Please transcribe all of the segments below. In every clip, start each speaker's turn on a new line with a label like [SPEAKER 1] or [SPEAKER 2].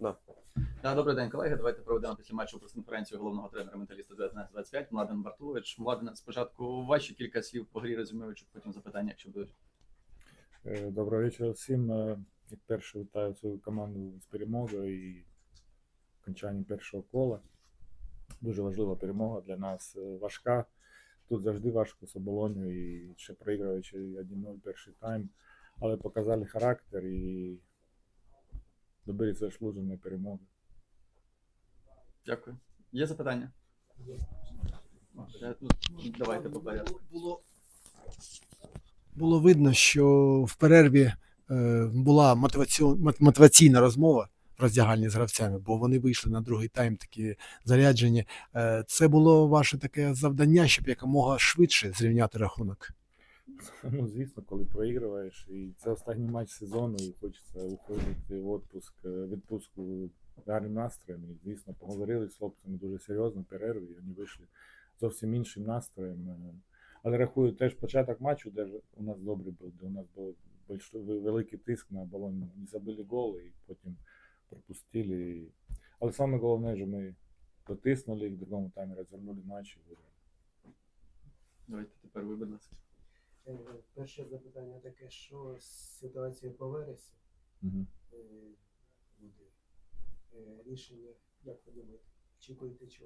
[SPEAKER 1] Да.
[SPEAKER 2] Добрий день, колеги. Давайте проведемо після матчу прес-конференцію головного тренера менталіста 19-25 Младен Бартулович. Младен, спочатку ваші кілька слів по грі резюмуючи, потім запитання, якщо будуть.
[SPEAKER 3] Доброго вечора всім. Як перше вітаю свою команду з перемогою і окончанням першого кола. Дуже важлива перемога для нас, важка. Тут завжди важко з Оболонью і ще проігруючи 1-0 перший тайм. Але показали характер і добились заслуженої перемоги.
[SPEAKER 2] Дякую. Є запитання? Давайте по порядку.
[SPEAKER 4] Було видно, що в перерві була мотиваційна розмова в роздягальні з гравцями, бо вони вийшли на другий тайм такі заряджені. Це було ваше таке завдання, щоб якомога швидше зрівняти рахунок?
[SPEAKER 3] Ну, звісно, коли проігруєш, і це останній матч сезону, і хочеться уходити в відпустку гарним настроєм. І, звісно, поговорили з хлопцями дуже серйозно, перерві, і вони вийшли зовсім іншим настроєм. Але рахую, теж початок матчу, де у нас добрий був, де у нас був великий тиск на Оболонь, не забили гол і потім пропустили. Але саме головне, що ми дотиснули, в другому таймі розвернули матч і виграли.
[SPEAKER 2] Давайте тепер ви, будь ласка.
[SPEAKER 5] Перше запитання таке, що з ситуацією по Вересі буде рішення, як ви думаєте, очікуєте чого?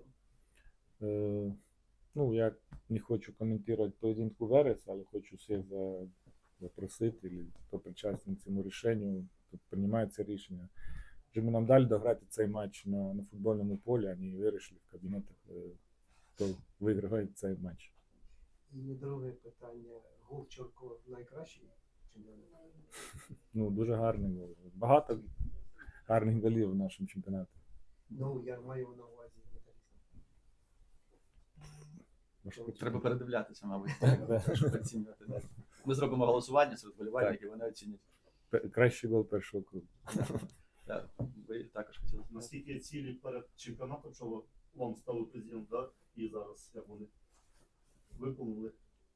[SPEAKER 3] Ну, я не хочу коментувати поєдинку Верес, але хочу всіх запросити, хто причасний цьому рішенню, тут приймається рішення. Вже ми нам дали дограти цей матч на футбольному полі, а не вирішили в кабінетах, хто виграє цей матч.
[SPEAKER 5] І друге питання, гол Чорко найкращий чемпіонат?
[SPEAKER 3] Ну, дуже гарний гол. Багато гарних голів в нашому чемпіонаті.
[SPEAKER 5] Ну, я маю на увазі металіст.
[SPEAKER 2] Треба передивлятися, мабуть, щоб оцінювати. Ми зробимо голосування серед вболівальників, вони оцінять.
[SPEAKER 3] Кращий гол першого кругу.
[SPEAKER 2] Ви також хотіли.
[SPEAKER 6] Наскільки цілі перед чемпіонатом, що вам ставив президент, да? І зараз, як вони виконали?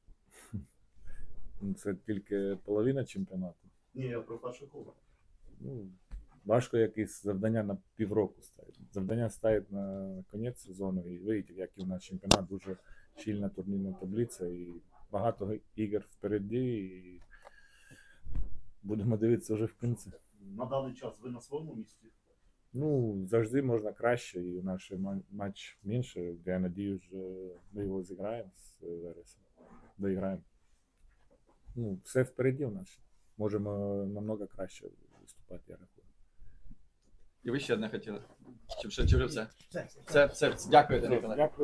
[SPEAKER 3] Це тільки половина чемпіонату.
[SPEAKER 6] Ні, я про перше коло.
[SPEAKER 3] Ну, важко якісь завдання на півроку ставити. Завдання ставить на кінець сезону, і видите, як і у нас чемпіонат, дуже щільна турнірна таблиця, і багато ігор впереді, і будемо дивитися вже в кінці.
[SPEAKER 6] На даний час ви на своєму місці?
[SPEAKER 3] Ну, завжди можна краще, і наш матч менше, я надіюсь, що ми його зіграємо з Вересом, доіграємо. Ну, все впереді у нас. Можемо намного краще виступати, я рахую.
[SPEAKER 2] І ви ще одне хотіли? Чи вже все? Все. Дякую, Данило.